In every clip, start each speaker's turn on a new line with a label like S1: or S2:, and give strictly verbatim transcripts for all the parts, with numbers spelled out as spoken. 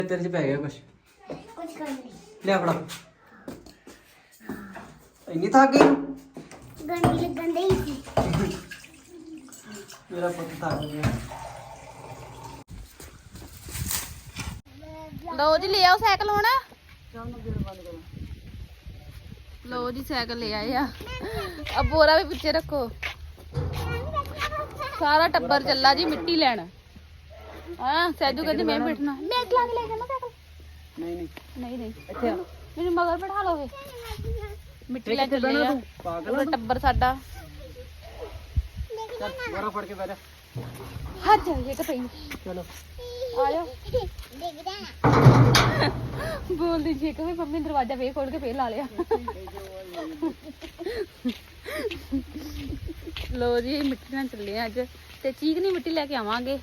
S1: तेरे च पै गया कुछ
S2: कुछ कर नहीं
S1: ले फड़ा इन्नी थक गई
S2: गंदी लगन दे ही
S1: मेरा पुत थक गया
S3: लो जी ले आओ साइकिल हुण लो जी साइकिल ले आए आ अब बोरा भी पीछे रखो सारा टब्बर चला जी मिट्टी लैन हाँ सैजू कहती मैं बैठना मैं चला के ले जाना साइकिल
S1: नहीं नहीं
S3: नहीं नहीं मेरे मगर बैठा लो मिट्टी ले चले आ पूरा टब्बर साडा
S1: चल बोरा फड़ के बैठ
S3: हाथ जाइए कि पई
S1: चलो
S3: आ जाओ
S2: देख रहा
S3: बोल दीजिए कि मम्मी दरवाजा फे खोल के फिर ला लिया लो जी मिट्टी ना चले अज ते चीकनी मिट्टी लेके आवांगे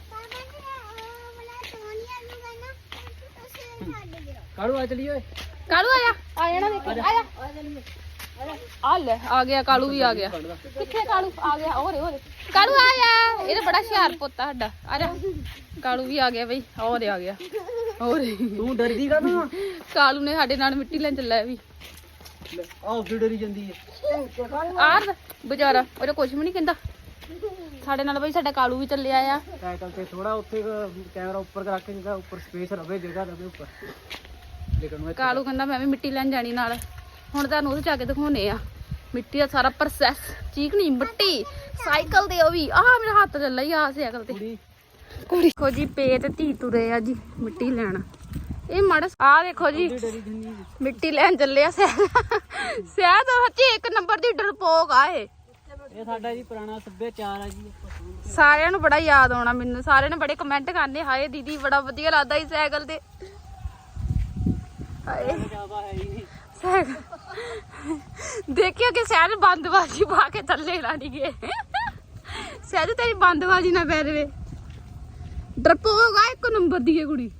S1: काड़ू आ चलिए
S3: कालू आया आ जाना देख आया आ ले आ गया कालू भी आ गया किथे कालू आ गया ओरे ओरे कालू आया ये तो बड़ा हुशियार पोता साडा आ जा कालू भी आ गया बई ओरे आ गया ओरे
S1: तू डरदी का ना
S3: कालू ने साडे नाल मिट्टी लेन चला भी
S1: आओ फिर डरी जंदी है
S3: आर बेचारा ओरे कुछ भी नहीं कहंदा साडे नाल बई साडा कालू भी चले आया
S1: साइकिल ते थोड़ा उत्थे कैमरा ऊपर रख के जगह ऊपर स्पेस रवे जगह रवे ऊपर लेकिन मैं
S3: कालू कहंदा मैं भी मिट्टी लेन जानी नाल ਹੁਣ ਤੁਹਾਨੂੰ ਉਹਦੇ ਜਾ ਕੇ ਦਿਖਾਉਣੇ ਆ ਮਿੱਟੀ ਦਾ ਸਾਰਾ ਪ੍ਰੋਸੈਸ ਚੀਕਣੀ ਮਿੱਟੀ ਸਾਈਕਲ ਤੇ ਉਹ ਵੀ ਆ ਮੇਰਾ ਹੱਥ ਚੱਲਾ ਹੀ ਆ ਸਾਈਕਲ ਤੇ ਕੁੜੀ ਦੇਖੋ ਜੀ ਪੇ ਤੇ ਧੀ ਤੁਰੇ ਆ ਜੀ ਮਿੱਟੀ ਲੈਣ ਇਹ ਮਾੜਾ ਆ ਦੇਖੋ ਜੀ ਮਿੱਟੀ ਲੈਣ ਚੱਲੇ ਆ ਸਹਿ ਸਹਿ ਤਾਂ ਸੱਚੀ ਇੱਕ ਨੰਬਰ ਦੀ ਡਰਪੋਕ ਆ ਇਹ
S1: ਇਹ ਸਾਡਾ ਜੀ ਪੁਰਾਣਾ ਸੱਭਿਆਚਾਰ ਆ ਜੀ
S3: ਸਾਰਿਆਂ ਨੂੰ ਬੜਾ ਯਾਦ ਆਉਣਾ ਮੈਨੂੰ ਸਾਰਿਆਂ ਨੇ ਬੜੇ ਕਮੈਂਟ ਕਰਨੇ ਹਾਏ ਦੀਦੀ ਬੜਾ ਵਧੀਆ ਲੱਗਦਾ ਸੀ ਸਾਈਕਲ ਤੇ ਹਾਏ
S1: ਜ਼ਿਆਦਾ ਹੈ ਹੀ ਨਹੀਂ
S3: देखियो कि सैर बंदबाजी पा के थले लानी गए सैर तेरी बंदबाजी ना पै रहे डरपोक आ एक नंबर दी कुड़ी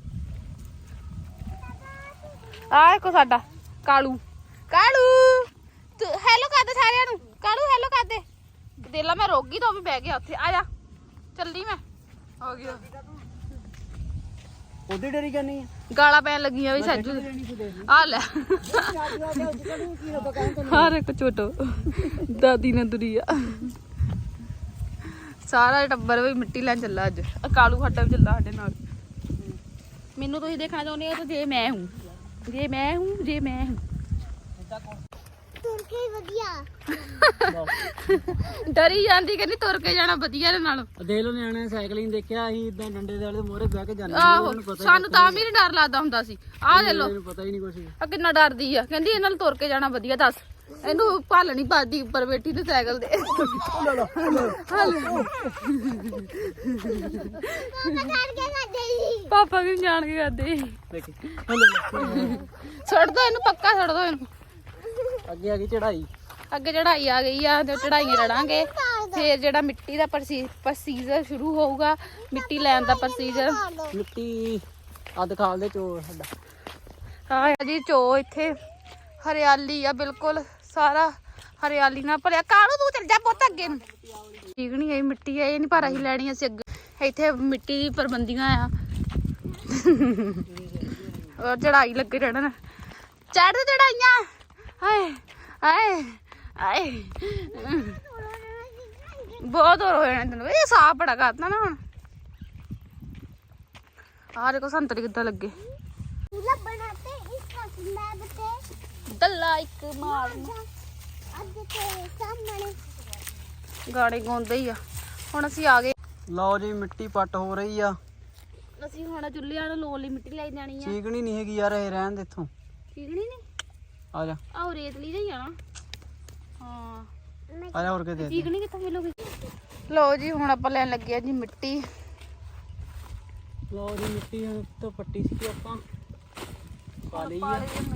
S3: आ एक साडा कालू कालू तू हेलो कर दे सारिਆਂ ਨੂੰ कालू हेलो कर दे देला मैं रोगी तो भी बह गया ਉੱਥੇ आ जा चलदी मैं हो गया
S1: ਉਹਦੀ ਡਰੀ ਕਰਨੀ ਹੈ
S3: ਗਾਲਾਂ ਪੈਣ ਲੱਗੀਆਂ ਵੀ ਸੱਜੂ ਆ ਲੈ ਹਰ ਇੱਕ ਛੋਟੋ ਦਾਦੀ ਨੇ ਦੁਰੀਆ ਸਾਰਾ ਟੱਬਰ ਵੀ ਮਿੱਟੀ ਲੈਣ ਚੱਲਾ ਅੱਜ ਕਾਲੂ ਸਾਡਾ ਵੀ ਚੱਲਾ ਸਾਡੇ ਨਾਲ ਮੈਨੂੰ ਤੁਸੀਂ ਦੇਖਣਾ ਚਾਹੁੰਦੇ ਹੋ ਤਾਂ ਜੇ ਮੈਂ ਹੂੰ ਜੇ ਮੈਂ ਹੂੰ ਜੇ ਮੈਂ ਹੂੰ
S2: तुर के वधिया
S3: ਡਰੀ ਜਾਂਦੀ ਕਹਿੰਦੀ ਤੁਰ ਕੇ ਜਾਣਾ ਵਧੀਆ ਦੇ ਨਾਲ
S1: ਦੇਖ ਲੋ ਨਿਆਣੇ ਸਾਈਕਲਿੰਗ ਦੇਖਿਆ ਅਸੀਂ ਇਦਾਂ ਡੰਡੇ ਦੇ ਵਾਲੇ ਮੋਹਰੇ ਬਹਿ ਕੇ ਜਾਂਦੇ
S3: ਆਹੋ ਸਾਨੂੰ ਤਾਂ ਵੀ ਨੀ ਡਰ ਲੱਗਦਾ ਹੁੰਦਾ ਸੀ ਆਹ ਦੇ ਲੋ
S1: ਮੈਨੂੰ ਪਤਾ ਹੀ ਨਹੀਂ ਕੁਛ
S3: ਆ ਕਿੰਨਾ ਡਰਦੀ ਆ ਕਹਿੰਦੀ ਇਹਨਾਂ ਨਾਲ ਤੁਰ ਕੇ ਜਾਣਾ ਵਧੀਆ ਦੱਸ ਇਹਨੂੰ ਭੱਲ ਨਹੀਂ ਪਾਦੀ ਉੱਪਰ ਬੈਠੀ ਤੇ ਸਾਈਕਲ ਤੇ ਪਾਪਾ ਵੀ ਜਾਣ ਕੇ ਕਰਦੇ
S1: ਦੇਖੀ
S3: ਛੱਡ ਦੋ ਇਹਨੂੰ ਪੱਕਾ ਛੱਡ ਦੋ ਇਹਨੂੰ
S1: ਅੱਗੇ ਆ ਗਈ ਚੜਾਈ
S3: ਅੱਗੇ ਚੜਾਈ ਆ ਗਈ ਆ ਤੇ ਚੜਾਈਆਂ ਚੜਾਂਗੇ ਫੇਰ ਜਿਹੜਾ ਮਿੱਟੀ ਦਾ ਪ੍ਰੋਸੀਜਰ ਸ਼ੁਰੂ ਹੋਊਗਾ ਮਿੱਟੀ ਲੈਣ ਦਾ ਪ੍ਰੋਸੀਜਰ
S1: ਮਿੱਟੀ ਆ ਦਿਖਾਲ ਦੇ ਚੋ ਸਾਡਾ
S3: ਹਾਂ ਜੀ ਚੋ ਇੱਥੇ ਹਰਿਆਲੀ ਆ ਬਿਲਕੁਲ ਸਾਰਾ ਹਰਿਆਲੀ ਨਾਲ ਭਰਿਆ ਕਾਲੂ ਤੂੰ ਚੱਲ ਜਾ ਪੁੱਤ ਅੱਗੇ ਨੂੰ ਚੀਕਣੀ ਆਈ ਮਿੱਟੀ ਆ ਇਹ ਨਹੀਂ ਪਰ ਅਸੀਂ ਲੈਣੀ ਅਸੀਂ ਅੱਗੇ ਇੱਥੇ ਮਿੱਟੀ ਦੀ ਪ੍ਰਬੰਧੀਆਂ ਆ ਔਰ ਚੜਾਈ ਲੱਗੇ ਰਹਿਣਾ ਚੜ ਚੜਾਈਆਂ ਹਾਏ ਹਾਏ ਹਾਏ ਬਹੁਤ ਹੋਰ ਹੋ ਜਾਣਾ ਤੈਨੂੰ ਇਹ ਸਾਹ ਬੜਾ ਕਰਦਾ ਨਾ ਹੁਣ ਆਹ ਦੇਖੋ ਸੰਤਰੀ ਕਿੱਦਾਂ ਲੱਗੇ
S2: चूल्हा बनाते इसका स्लैब पे
S3: ਦੱਲਾ ਇੱਕ ਮਾਰਨਾ
S2: अब के सामने
S3: ਗਾਣੇ ਗਾਉਂਦੇ ਹੀ ਆ ਹੁਣ ਅਸੀਂ ਆ ਗਏ
S1: ਲਓ ਜੀ ਮਿੱਟੀ ਪੱਟ ਹੋ ਰਹੀ ਆ
S3: ਅਸੀਂ ਹੁਣ ਚੁੱਲ੍ਹਿਆਂ ਨੂੰ ਲੋਨ ਲਈ ਮਿੱਟੀ ਲੈ ਜਾਣੀ ਆ
S1: ਚੀਕਣੀ ਨਹੀਂ ਹੈਗੀ ਯਾਰ ਇਹ ਰਹਿਣ ਦੇ ਇੱਥੋਂ
S3: ਠੀਕ ਨਹੀਂ ਨੀ
S1: ਆ ਜਾ
S3: ਆਹ ਰੇਤਲੀ ਦਾ ਹੀ ਆ ਨਾ ਹਾਂ
S1: ਆ ਜਾ ਹੋਰ ਕਿਤੇ
S3: ਚੀਕਣੀ ਕਿੱਥੋਂ ਮਿਲੂਗੀ ਲਓ ਜੀ ਹੁਣ ਆਪਾਂ ਲੈਣ ਲੱਗੇ ਆ ਜੀ ਮਿੱਟੀ
S1: ਲਓ ਜੀ ਮਿੱਟੀ ਤੋਂ ਪੱਟੀ ਸੀ ਆਪਾਂ ਪਾ ਲਈ ਆ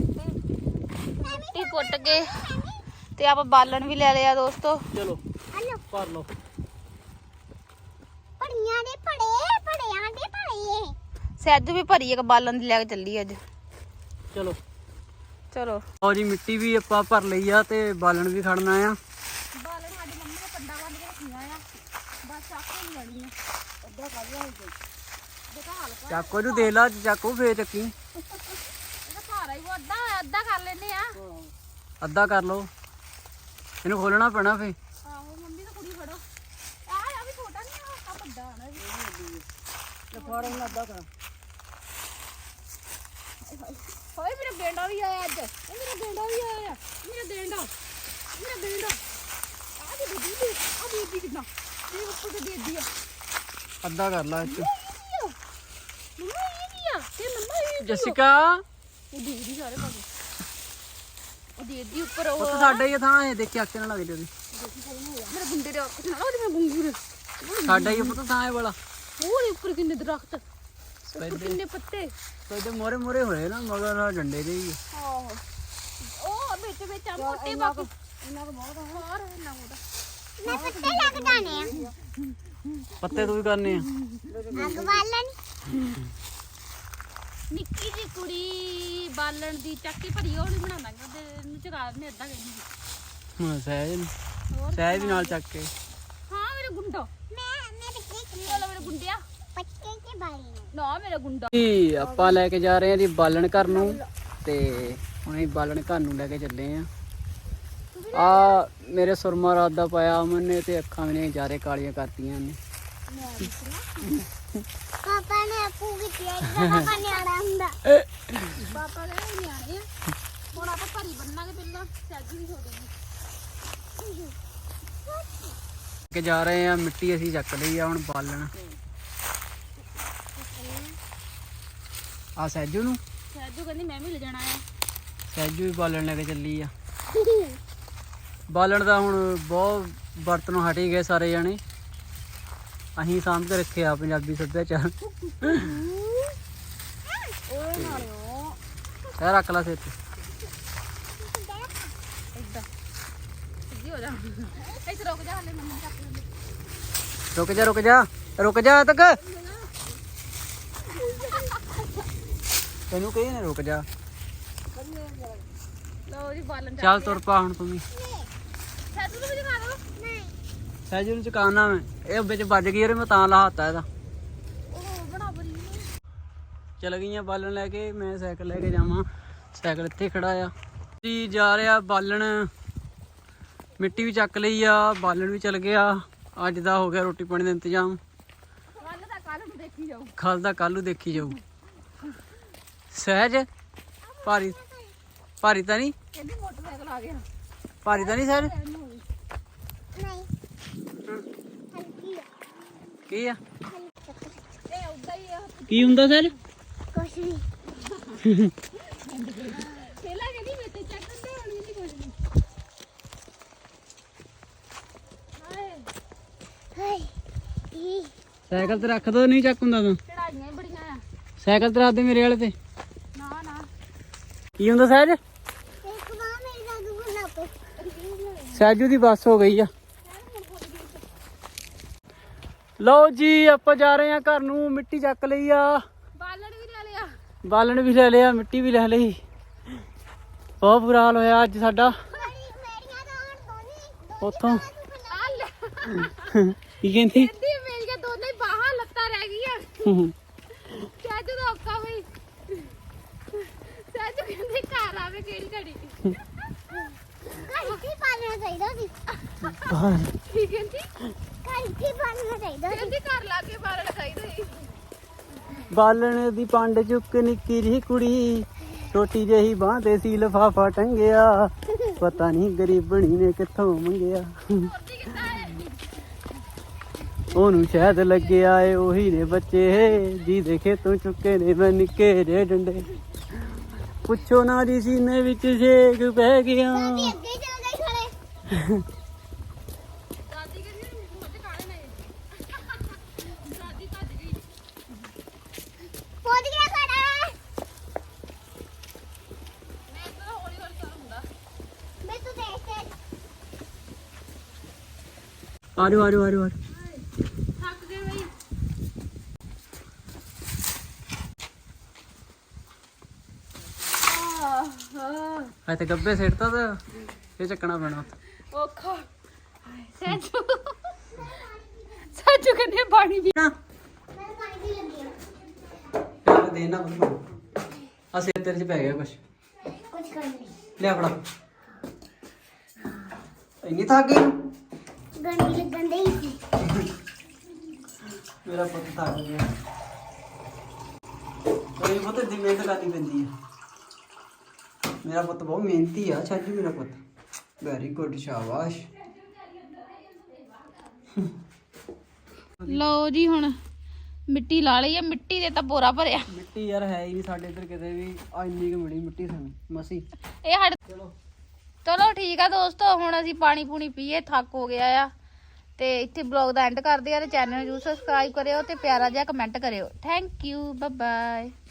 S3: ਮਿੱਟੀ ਪੁੱਟ ਕੇ ਤੇ ਆਪਾਂ ਬਾਲਣ ਵੀ ਲੈ ਲਿਆ ਦੋਸਤੋ
S1: ਚਲੋ
S2: हेलो
S1: ਭਰ ਲਓ
S2: पड़ियां दे पड़े पड़ियां दे पड़े
S3: ਸੈਜੂ ਵੀ ਭਰੀ ਇੱਕ ਬਾਲਣ ਦੀ ਲੈ ਕੇ ਚੱਲੀ ਅੱਜ
S1: ਚਲੋ
S3: ਚਲੋ
S1: ਲਓ ਜੀ ਮਿੱਟੀ ਵੀ ਆਪਾਂ ਭਰ ਲਈ ਆ ਤੇ ਬਾਲਣ ਵੀ ਖੜਨਾ ਆ
S3: ਬਾਲਣ ਸਾਡੀ ਮੰਮੀ ਨੇ ਪੰਡਾ ਬੰਨ ਕੇ ਰੱਖੀਆਂ ਆ ਬਸ ਚਾਕੇ ਨਹੀਂ ਆਣੀਆਂ ਅੱਧਾ ਕਰ ਲਿਆ ਦੇਖਾ ਹਾਲ ਪਾ
S1: ਚਾਕੂ ਨੂੰ ਦੇਖ ਲਾ, ਚਾਕੂ ਫੇਰ ਚੱਕੀ।
S3: ਇਹਦਾ ਭਾਰਾ ਹੀ ਉਹ ਅੱਧਾ ਅੱਧਾ ਕਰ ਲੈਨੇ ਆ।
S1: ਅੱਧਾ ਕਰ ਲਓ, ਇਹਨੂੰ ਖੋਲਣਾ ਪੈਣਾ ਫੇ।
S3: ਆਹੋ ਮੰਮੀ ਤਾਂ ਕੁੜੀ ਫੜੋ। ਆ ਆ ਵੀ ਛੋਟਾ ਨਹੀਂ ਆ, ਆ ਵੱਡਾ ਨਾ ਵੀ।
S1: ਤੇ ਫੜ ਇਹਨੂੰ ਅੱਧਾ ਕਰ।
S3: ਹੋਏ ਮੇਰਾ ਗੇਂਡਾ ਵੀ ਆਇਆ ਅੱਜ। ਇਹ ਮੇਰਾ ਗੇਂਡਾ ਵੀ ਆਇਆ। ਮੇਰਾ ਗੇਂਡਾ ਮੇਰਾ ਗੇਂਡਾ ਆ ਦੇ ਦੇ ਦੇ ਆ ਦੇ ਦੇ ਕਿੰਨਾ ਇਹ ਉੱਪਰ ਤੇ ਦੇ ਦੀ ਆ।
S1: ਅੱਧਾ ਕਰ ਲਾ ਇੱਥੇ।
S3: ਮੰਮਾ ਇਹ ਕੀ ਆ ਤੇ ਮੰਮਾ ਇਹ
S1: ਜਸਿਕਾ
S3: ਉਹ ਦੇ ਦੀ ਸਾਰੇ ਪਾਸੇ ਉਹ ਦੇ ਦੀ ਉੱਪਰ ਉਹ
S1: ਉਹ ਤਾਂ ਸਾਡਾ ਹੀ ਆ ਥਾਂ, ਇਹ ਦੇਖੀ ਅੱਖ ਨਾਲ ਲੱਗ ਜਾਂਦੀ।
S3: ਮੇਰੇ ਗੁੰਡੇ ਦੇ ਅੱਖ ਨਾਲ ਉਹਦੇ ਮੈਂ ਗੁੰਗੂਰ
S1: ਸਾਡਾ ਹੀ ਪਤਾ ਥਾਂ ਇਹ ਵਾਲਾ।
S3: ਉਹਦੇ ਉੱਪਰ ਕਿੰਨੇ ਦਰਖਤ ਉੱਪਰ ਕਿੰਨੇ ਪੱਤੇ।
S1: ਤੇ ਮੋਰੇ ਮੋਰੇ ਹੋਏ ਨਾ ਮਗਰ ਆ ਡੰਡੇ ਦੇ ਹੀ।
S3: ਆਹੋ ਉਹ ਵਿੱਚ ਵਿੱਚ ਆ ਮੋਟੇ ਬਾਕੀ ਇਹਨਾਂ ਦਾ ਬਹੁਤ ਹੋਰ ਨਾ ਉਹਦਾ
S2: ਮੈਂ ਪੱਤੇ ਲੱਗ ਜਾਣੇ ਆ।
S1: ਪੱਤੇ ਤੂੰ ਵੀ ਕਰਨੇ ਆ।
S2: ਅੱਗ ਬਾਲਣ
S3: ਨਿੱਕੀ ਜੀ ਕੁੜੀ ਬਾਲਣ ਦੀ ਚੱਕੀ ਭਰੀ ਉਹ ਨਹੀਂ ਬਣਾ ਦਾਂਗੇ ਉਹਦੇ ਨੂੰ ਚਗਾ ਦਿੰਦੇ ਅੱਧਾ ਕਹਿੰਦੀ ਸੀ।
S1: ਹਾਂ ਸਹਿਜ ਨੂੰ
S3: ਹੋਰ
S1: ਸਹਿਜ ਵੀ ਨਾਲ ਚੱਕ ਕੇ।
S3: ਹਾਂ ਮੇਰਾ ਗੁੰਡਾ
S2: ਮੈਂ ਮੈਂ ਪੱਤੇ
S3: ਚਲੋ ਮੇਰਾ ਗੁੰਡਿਆ
S2: ਪੱਤੇ ਕੇ ਬਾਲਣੇ
S3: ਨਾ ਮੇਰਾ ਗੁੰਡਾ
S1: ਜੀ ਆਪਾਂ ਲੈ ਕੇ ਜਾ ਰਹੇ ਹਾਂ ਜੀ ਬਾਲਣ ਘਰ ਨੂੰ, ਤੇ ਹੁਣ ਅਸੀਂ ਬਾਲਣ ਘਰ ਨੂੰ ਲੈ ਕੇ ਚੱਲੇ ਆ। ਆ ਮੇਰੇ ਸੁਰਮਾ ਰਾਤ ਦਾ ਪਾਇਆ ਅਮਨ ਨੇ, ਤੇ ਅੱਖਾਂ ਵੀ ਨੇ ਜਾਰੇ ਕਾਲੀਆਂ ਕਰਤੀਆਂ ਨੇ।
S2: ਪਾਪਾ ਨੇ ਆਪੂ ਕੀਤੀ ਹੈ ਪਾਪਾ ਨੇ ਆੜਾ ਹੁੰਦਾ।
S3: ਪਾਪਾ ਦੇ ਨਿਆਣੇ ਆ ਹੁਣ ਆਪਾਂ ਭਰੀ ਬੰਨਾਂਗੇ ਪਹਿਲਾਂ ਸੈਜੀ ਵੀ ਹੋ ਜਾਊਗੀ।
S1: ਕੇ ਜਾ ਰਹੇ ਆ ਮਿੱਟੀ ਅਸੀਂ ਚੱਕ ਲਈ ਆ ਹੁਣ ਬਾਲਣ। ਆ ਸਹਿਜੂ ਨੂੰ
S3: ਸੈਜੂ ਕਹਿੰਦੀ ਮੈਂ ਵੀ ਲੈ ਜਾਣਾ ਆ।
S1: ਸਹਿਜੂ ਵੀ ਬਾਲਣ ਲੈ ਕੇ ਚੱਲੀ ਆ। ਬਾਲਣ ਦਾ ਹੁਣ ਬਹੁਤ ਬਰਤਨੋਂ ਹਟ ਹੀ ਗਏ ਸਾਰੇ ਜਾਣੇ, ਅਸੀਂ ਸਾਂਭ ਕੇ ਰੱਖਿਆ ਪੰਜਾਬੀ ਸੱਭਿਆਚਾਰ।
S3: ਓਏ ਨਾਲਿਓ
S1: ਇਹ ਰੱਖ ਲਾ ਸਿਰ ਤੇ।
S3: ਇੱਦਾਂ ਸਿੱਧੀ ਹੋ ਜਾ ਇੱਥੇ ਰੁਕ ਜਾ ਹਲੇ ਮੰਮੀ ਚੱਕ ਲੈਂਦੇ।
S1: ਰੁਕ ਜਾ ਰੁਕ ਜਾ ਰੁਕ ਜਾ ਤੱਕ ਤੈਨੂੰ ਕਹੀ ਨਾ ਰੁਕ ਜਾ।
S3: ਲਓ ਜੀ ਬਾਲਣ
S1: ਚੱਲ ਤੁਰ ਪਾ ਹੁਣ ਤੂੰ ਵੀ।
S3: ਸੈਜੂ ਨੂੰ ਵੀ ਦਿਖਾ ਦਿਓ।
S2: ਨਹੀਂ
S1: ਸਹਿਜੂ ਨੂੰ ਚੁਕਾਉਣਾ ਮੈਂ, ਇਹ ਵਿੱਚ ਵੱਜ ਗਈ ਉਹਦੇ ਮੈਂ ਤਾਂ ਲਾਹਤਾ ਇਹਦਾ।
S3: ਉਹ ਬਣਾ ਬੜੀ
S1: ਚਲ ਗਈਆਂ ਬਾਲਣ ਲੈ ਕੇ, ਮੈਂ ਸਾਈਕਲ ਲੈ ਕੇ ਜਾਵਾਂ। ਸਾਈਕਲ ਇੱਥੇ ਖੜਾ ਆ ਜੀ। ਜਾ ਰਿਹਾ ਬਾਲਣ, ਮਿੱਟੀ ਵੀ ਚੱਕ ਲਈ ਆ, ਬਾਲਣ ਵੀ ਚਲ ਗਿਆ। ਅੱਜ ਦਾ ਹੋ ਗਿਆ ਰੋਟੀ ਪਾਣੀ ਦਾ ਇੰਤਜ਼ਾਮ।
S3: ਕੱਲ ਦਾ ਕੱਲ ਨੂੰ ਦੇਖੀ ਜਾਓ।
S1: ਕੱਲ ਦਾ ਕੱਲ ਨੂੰ ਦੇਖੀ ਜਾਊ। ਸਹਿਜ ਭਾਰੀ ਭਾਰੀ ਤਾਂ ਨਹੀਂ
S3: ਕਹਿੰਦੀ ਮੋਟਰਸਾਈਕਲ ਆ ਗਿਆ।
S1: ਭਾਰੀ ਤਾਂ ਨਹੀਂ ਸਹਿਜ?
S2: ਨਹੀਂ ਹਲਕੀ ਆ
S1: ਕੀ ਆ
S3: ਇਹ ਉਦਾਂ ਹੀ ਆ
S1: ਕੀ ਹੁੰਦਾ ਸਹਿਜ?
S2: ਕੁਛ ਨਹੀਂ
S3: ਪਹਿਲਾਂ ਕਹਿੰਦੀ ਮੈਂ ਤੇ ਚੱਕ ਦਿੰਦੇ ਹੁਣ ਨਹੀਂ ਕੁਝ ਨਹੀਂ। ਹਾਏ
S2: ਹਾਏ ਇਹ
S1: ਸਾਈਕਲ ਤੇ ਰੱਖ ਦੋ, ਨਹੀਂ ਚੱਕ ਹੁੰਦਾ ਤੂੰ।
S3: ਚੜਾਈਆਂ ਹੀ ਬੜੀਆਂ ਆ।
S1: ਸਾਈਕਲ ਤੇ ਰੱਖ ਦੇ ਮੇਰੇ ਵਾਲੇ ਤੇ।
S3: ਨਾ ਨਾ
S1: ਕੀ ਹੁੰਦਾ ਸਹਿਜ?
S2: ਇੱਕ ਵਾਰ ਮੇਰੀ ਦਾਦੂ ਬਣਾ ਪੇ
S1: ਸਹਿਜੂ ਦੀ ਬੱਸ ਹੋ ਗਈ ਆ। ਲਓ ਜੀ ਆਪਾਂ ਜਾ ਰਹੇ ਆ ਘਰ ਨੂੰ, ਮਿੱਟੀ ਚੱਕ ਲਈ ਆ,
S3: ਬਾਲਣ ਵੀ ਲੈ ਲਿਆ।
S1: ਬਾਲਣ ਵੀ ਲੈ ਲਿਆ, ਮਿੱਟੀ ਵੀ ਲੈ ਲਈ। ਬਹੁਤ ਬੁਰਾ ਹਾਲ ਹੋਇਆ ਅੱਜ ਸਾਡਾ
S2: ਮੇਰੀਆਂ ਤਾਂ ਹੁਣ ਦੋਨੇ
S1: ਉੱਥੋਂ।
S3: ਆ ਲੈ
S1: ਕੀ ਕਹਿੰਦੀ?
S3: ਕਹਿੰਦੀ ਮੇਰੀਆਂ ਦੋਨੇ ਬਾਹਾਂ ਲੱਤਾਂ ਰਹਿ ਗਈਆਂ। ਸੈਜੂ ਦਾ ਔਖਾ ਹੋਈ। ਸੈਜੂ ਕਹਿੰਦੀ ਘਰ ਆਵੇ ਕਿਹੜੀ ਘੜੀ।
S2: ਘਰ ਕੀ ਪਾਲਣਾ ਚਾਹੀਦਾ ਸੀ
S3: ਕੀ ਕਹਿੰਦੀ?
S2: ਘਰ ਕੀ ਪਾਲਣਾ ਚਾਹੀਦਾ ਸੀ
S3: ਕਹਿੰਦੀ ਘਰ ਲਾ ਕੇ ਬਾਲਣ ਖਾਈਦਾ ਸੀ।
S1: ਬਾਲਣ ਦੀ ਪੰਡ ਚੁੱਕ ਨਿੱਕੀ ਜਿਹੀ ਕੁੜੀ, ਛੋਟੀ ਜਿਹੀ ਬਾਂਹ ਤੇ ਸੀ ਲਿਫਾਫਾ ਟੰਗਿਆ, ਪਤਾ ਨਹੀਂ ਗਰੀਬਣੀ ਨੇ ਕਿੱਥੋਂ ਮੰਗਿਆ।
S3: ਮੋਦੀ ਕਿੱਦਾਂ ਹੈ?
S1: ਉਹਨੂੰ ਸ਼ਾਇਦ ਲੱਗਿਆ ਏ ਉਹੀ ਨੇ ਬੱਚੇ, ਜੀ ਦੇਖੇ ਤੂੰ ਚੁੱਕੇ ਨੇ ਮੈਂ ਨਿੱਕੇ ਜਿਹੇ ਡੰਡੇ। ਪੁੱਛੋ ਨਾ ਜੀ ਸੀਨੇ ਵਿੱਚ ਛੇਕ ਪੈ ਗਿਆ।
S2: ਦਾਦੀ ਅੱਗੇ ਹੀ ਚਲ ਗਈ ਖੜੇ
S3: ਦਾਦੀ ਕਹਿੰਦੀ ਮੁੱਝ ਕਾਲੇ ਨੇ। ਦਾਦੀ ਭੱਜ ਗਈ।
S2: ਪਹੁੰਚ ਗਿਆ ਖੜਾ
S3: ਮੈਂ ਤਾਂ ਹੌਲੀ ਹੌਲੀ ਚੱਲ ਹੁੰਦਾ।
S2: ਮੈਂ ਤੂੰ ਦੇਖ ਕੇ
S1: ਆਜੋ ਆਜੋ ਆਜੋ ਆਜੋ।
S3: ਥੱਕ ਗਏ ਬਈ।
S1: ਐ ਤੇ ਗੱਬੇ ਸਿੱਟਤਾ ਤਾਂ ਇਹ ਚੱਕਣਾ ਪੈਣਾ।
S3: ਔਖਾ। ਸੈਜੂ ਸੈਜੂ ਕਹਿੰਦੀ ਪਾਣੀ ਵੀ।
S1: ਨਾ
S2: ਮੈਂ ਪਾਣੀ ਪੀ ਲੱਗੀ ਹਾਂ
S1: ਦੇ ਇਹਨਾਂ ਨੂੰ ਆ ਸਿਰ ਤੇਰੇ ਚ ਪੈ ਗਿਆ ਕੁਛ
S2: ਕੁਝ ਕਰ ਨਹੀਂ
S1: ਲਿਆ ਫੜਾ ਇੰਨੀ ਥੱਕ ਗਈ
S2: ਗੰਦੀ ਲੱਗਣ ਦੇ ਹੀ ਸੀ
S1: ਮੇਰਾ ਪੁੱਤ ਥੱਕ ਗਿਆ ਕੋਈ ਪੁੱਤ ਦੀ ਮਿਹਨਤ ਕਰਨੀ ਪੈਂਦੀ ਹੈ ਮੇਰਾ ਪੁੱਤ ਬਹੁਤ ਮਿਹਨਤੀ ਆ ਛੱਜ ਮੇਰਾ ਪੁੱਤ ਵੈਰੀ ਗੁੱਡ ਸ਼ਾਬਾਸ਼
S3: ਲਓ ਜੀ ਹੁਣ ਮਿੱਟੀ ਲਾ ਲਈ ਆ ਮਿੱਟੀ ਦੇ ਤਾਂ ਬੋਰਾ ਭਰਿਆ
S1: ਮਿੱਟੀ ਯਾਰ ਹੈ ਹੀ ਨਹੀਂ ਸਾਡੇ ਇੱਧਰ ਕਿਤੇ ਵੀ ਆ ਇੰਨੀ ਕੁ ਮਿਲੀ ਮਿੱਟੀ ਸਾਨੂੰ ਮਸੀ
S3: ਇਹ ਸਾਡੇ
S1: ਚਲੋ
S3: ਚਲੋ ਠੀਕ ਆ ਦੋਸਤੋ ਹੁਣ ਅਸੀਂ ਪਾਣੀ ਪੂਣੀ ਪੀਏ ਥੱਕ ਹੋ ਗਿਆ ਆ ਤੇ ਇੱਥੇ ਬਲੌਗ ਦਾ ਐਂਡ ਕਰਦੇ ਆ ਤੇ ਚੈਨਲ ਨੂੰ ਜਰੂਰ ਸਬਸਕ੍ਰਾਈਬ ਕਰਿਓ ਤੇ ਪਿਆਰਾ ਜਿਹਾ ਕਮੈਂਟ ਕਰਿਓ ਥੈਂਕ ਯੂ ਬਾਏ ਬਾਏ